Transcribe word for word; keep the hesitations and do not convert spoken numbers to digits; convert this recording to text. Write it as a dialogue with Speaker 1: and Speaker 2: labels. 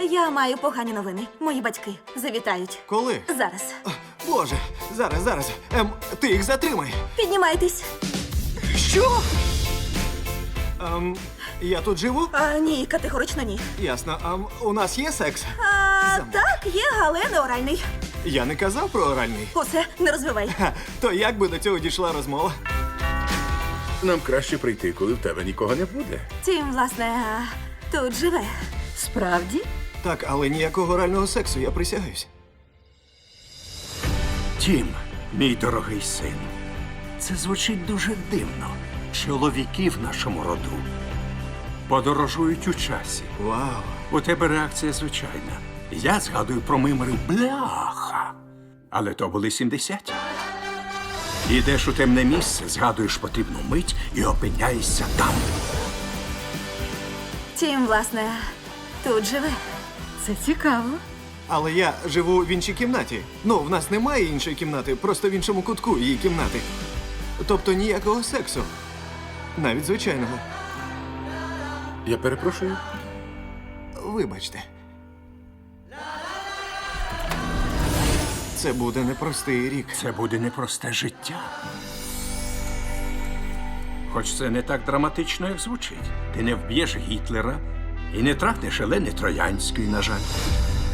Speaker 1: Я маю погані новини. Мої батьки завітають.
Speaker 2: Коли?
Speaker 1: Зараз.
Speaker 2: А, Боже, зараз, зараз. Ем, ти їх затримай.
Speaker 1: Піднімайтесь.
Speaker 2: Що? Ем, я тут живу?
Speaker 1: А, ні, категорично ні.
Speaker 2: Ясно. Ем, у нас є секс?
Speaker 1: А,
Speaker 2: Замок.
Speaker 1: так, є, але не оральний.
Speaker 2: Я не казав про оральний.
Speaker 1: Усе, не розвивай.
Speaker 2: Ха, то як би до цього дійшла розмова?
Speaker 3: Нам краще прийти, коли в тебе нікого не буде.
Speaker 1: Тім, власне, а, тут живе.
Speaker 4: Справді?
Speaker 2: Так, але ніякого орального сексу, я присягаюсь.
Speaker 5: Тім, мій дорогий син, це звучить дуже дивно. Чоловіки в нашому роду подорожують у часі.
Speaker 2: Вау.
Speaker 5: У тебе реакція звичайна. Я згадую про мимри бляха. Але то були сімдесяті. Ідеш у темне місце, згадуєш потрібну мить і опиняєшся там.
Speaker 1: Тім, власне, тут живе.
Speaker 4: Це цікаво.
Speaker 2: Але я живу в іншій кімнаті. Ну, в нас немає іншої кімнати, просто в іншому кутку її кімнати. Тобто ніякого сексу. Навіть звичайного.
Speaker 3: Я перепрошую.
Speaker 2: Вибачте. Це буде непростий рік.
Speaker 5: Це буде непросте життя. Хоч це не так драматично, як звучить. Ти не вб'єш Гітлера і не трахнеш Елени Троянської, на жаль.